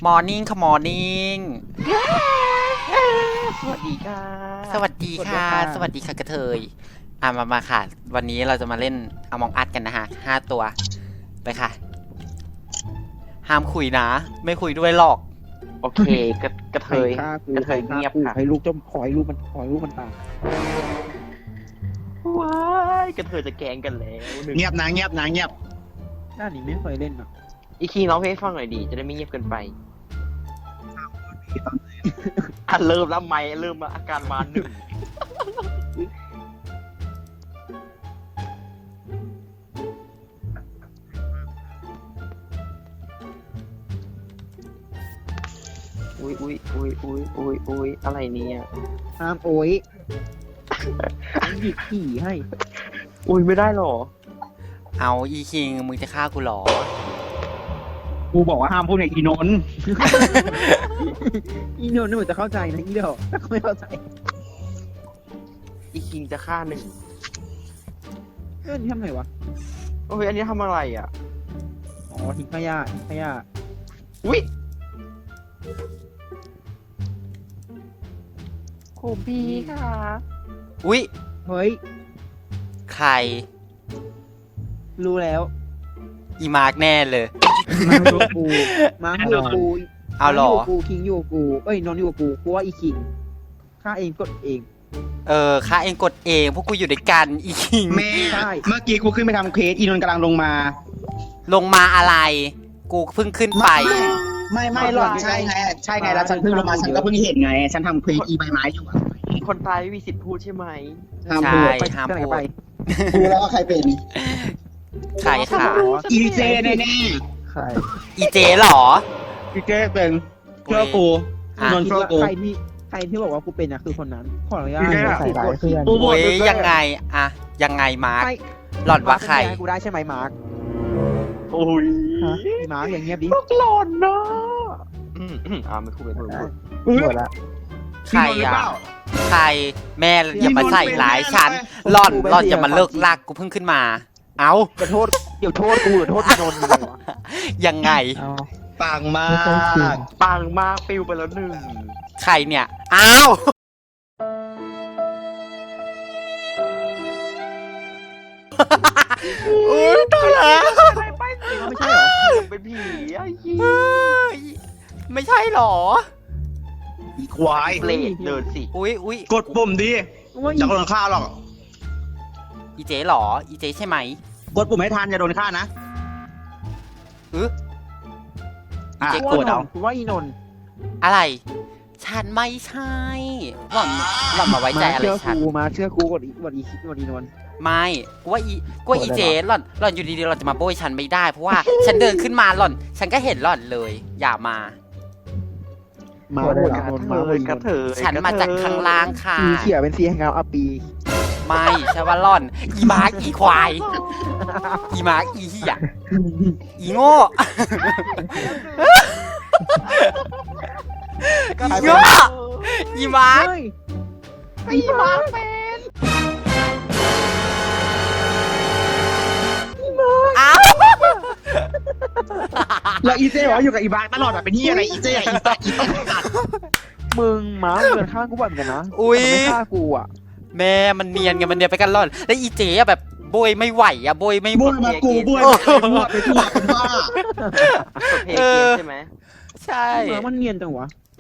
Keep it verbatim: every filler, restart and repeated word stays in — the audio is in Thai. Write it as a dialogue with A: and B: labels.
A: มอร์นิ่งค่ะมอร์นิ่ง
B: สวัสดีค่ะ
A: สวัสดีค่ะสวัสดีค่ะกระเทยอ่ะมามาค่ะวันนี้เราจะมาเล่นอมองอัดกันนะฮะห้าตัวไปค่ะห้ามคุยนะไม่คุยด้วยหรอก
B: โอเคกระกระเทยกระเทยเงียบค่ะ
C: ให้ลูกจมขอยลูกมันขอยลูกมันตาย
B: ว้ายกระเทยจะแกงกันแล้ว
D: เงียบนะเงียบนะเงียบ
C: ด้านนี้ไม่เคยเล่นอ่ะ
B: อีคีร้องเพลงให้ฟังหน่อยดีจะได้ไม่เงียบเกินไปอ่ะเริ่มแล้วไหมเริ่มมาอาการมาหนึ่งอุ้ยอุ้ยอุ้ยอุ้ยอุ้ยอุ้ยอะไรเนี่ย
C: ห้ามโอ้ยหยิบขี่ให้
B: อุ้ยไม่ได้หรอ
A: เอาอีคิงมึงจะฆ่ากูหรอ
D: กูบอกว่าห้ามพูดในอีนนท์
C: อีโนนนี่เหมือนจะเข้าใจนะอีเดียวแต่ไม่เข้าใจ
B: อีคิงจะฆ่าหนึ่ง
C: เอ้ยนี่ทำไงวะ
B: โอ้ยอันนี้ทำอะไรอ่ะ
C: อ๋อทิ้งขยะทิ้งขยะ
B: อุ้ยโคบีค่ะ
A: อุ้ย
C: เฮ้ย
A: ใคร
C: รู้แล้ว
A: อีมาร์กแน่เลย
C: มาอยู่กับกูมาอยู่กับกู
A: เอาหรอ
C: กูคิงอยู่กับกูเอ้ยนอนอยู่กับกูกูว่าอีคิงฆ่าเองกดเอง
A: เออฆ่าเองกดเองพวกกูอยู่ด้วยกันอีคิง
D: แม่เมื่อกี้กูขึ้นไปทำเควสอีนนท์กำลังลงมา
A: ลงมาอะไรกูเพิ่งขึ้นไป
D: ไม่ไม่หรอกใช่ไงใช่ไงแล้วฉันเพิ่งลงมาฉันก็เพิ่งเห็นไงฉันทำเควสอีใบไม้อยู่
B: คนตายไม่มีสิทธิ์พูดใช่ไหม
A: ใช่ห้ามพูด
D: กูแล้วว่าใครเป็น
A: ใครค่ะ
D: อีเจแน่แน่
C: ใคร
A: อีเจหรอ
D: อีเจเป็นเชื่อกูนนท์เชื่อกู
C: ใครที่ใครที่บอกว่ากูเป็นนะคือคนนั้นขออนุญาตใส่ร้ายเพื่อน
A: โอ้ยยังไงอะยังไงมาร์คหล่อนว่าใคร
C: กูได้ใช่ไหมมาร์ค
B: โอ้ย
C: มาร์คอย่างเงียบดิ
B: พวกหล่อนเนาะอืมอืมอ่าไม่พูดไม่พูด
C: หมดละ
A: ใครอ่ะใครแม่อย่ามาใส่ร้ายฉันหล่อนหล่อนจะมาเลิกลากกูเพิ่งขึ้นมาเอ้า
C: จะโทษเดี๋ยวโทษกูหรือโทษโดนมึงวะ
A: ยังไง
D: ปังมาก
B: ปังมากปิวไปแล้วหนึ่ง
A: ใครเนี่ยอ้าวอุ้ยตายแล้ว
B: ไม่ใช่หรอเป็นผีไอ้ยี่
A: ไม่ใช่หรอ
D: อีควาย
B: เปรตเดินสิ
A: อุ้ยอุ้ย
D: กดปุ่มดิจะโดนฆ่าหรอก
A: อีเจหรออีเจใช่ไหม
D: กดปุ่มให้ทันจะโดนฆ่านะ
A: เออ
C: อีเจกดเอาว่าอีนน
A: อะไรฉันไม่ใช่หล่อนหล่อนมาไว้ใจอะไรฉัน
C: มาเชื่อกูกดอีกดอีกดอีนน
A: ไม่กูว่าอีกูว่าอีเจหล่อนหล่อนอยู่ดีๆหล่อนจะมาโบยฉันไม่ได้เพราะว่าฉันเดินขึ้นมาหล่อนฉันก็เห็นหล่อนเลยอย่ามา
C: มาโบยนนมาโบย
B: กระเถย
A: ฉันมาจากข้างล่างค่ะ
C: สีเขียวเป็นสีแห่งเงาอัปปี
A: ไม่ใช่ว่าหล่อนอีมาร์กอีควายอีมาร์กอีเหี้ยอีโง่อีโง่อีมาร์ก
B: อีมาร์กเป็น
A: อ้าว
D: แล้วอีเจวะอยู่กับอีบาร์ตลอดแบบเป็นที่อะไรอีเจอีตัดอีตัด
C: มึงมาเดินข้างกูบ่อยเหมือนกันนะไม่ฆ่ากูอ่ะ
A: แม่มันเนียนกันมันเนียนไปกันร่อนแล้วอีเจ๊อะแบบโบยไม่ไหวอะโบยไม่
D: โบยมากูโบยมาไปทั่วเป็นบ้า
B: เออใช่ไหม
A: ใช่
C: มันเนียนจังวะ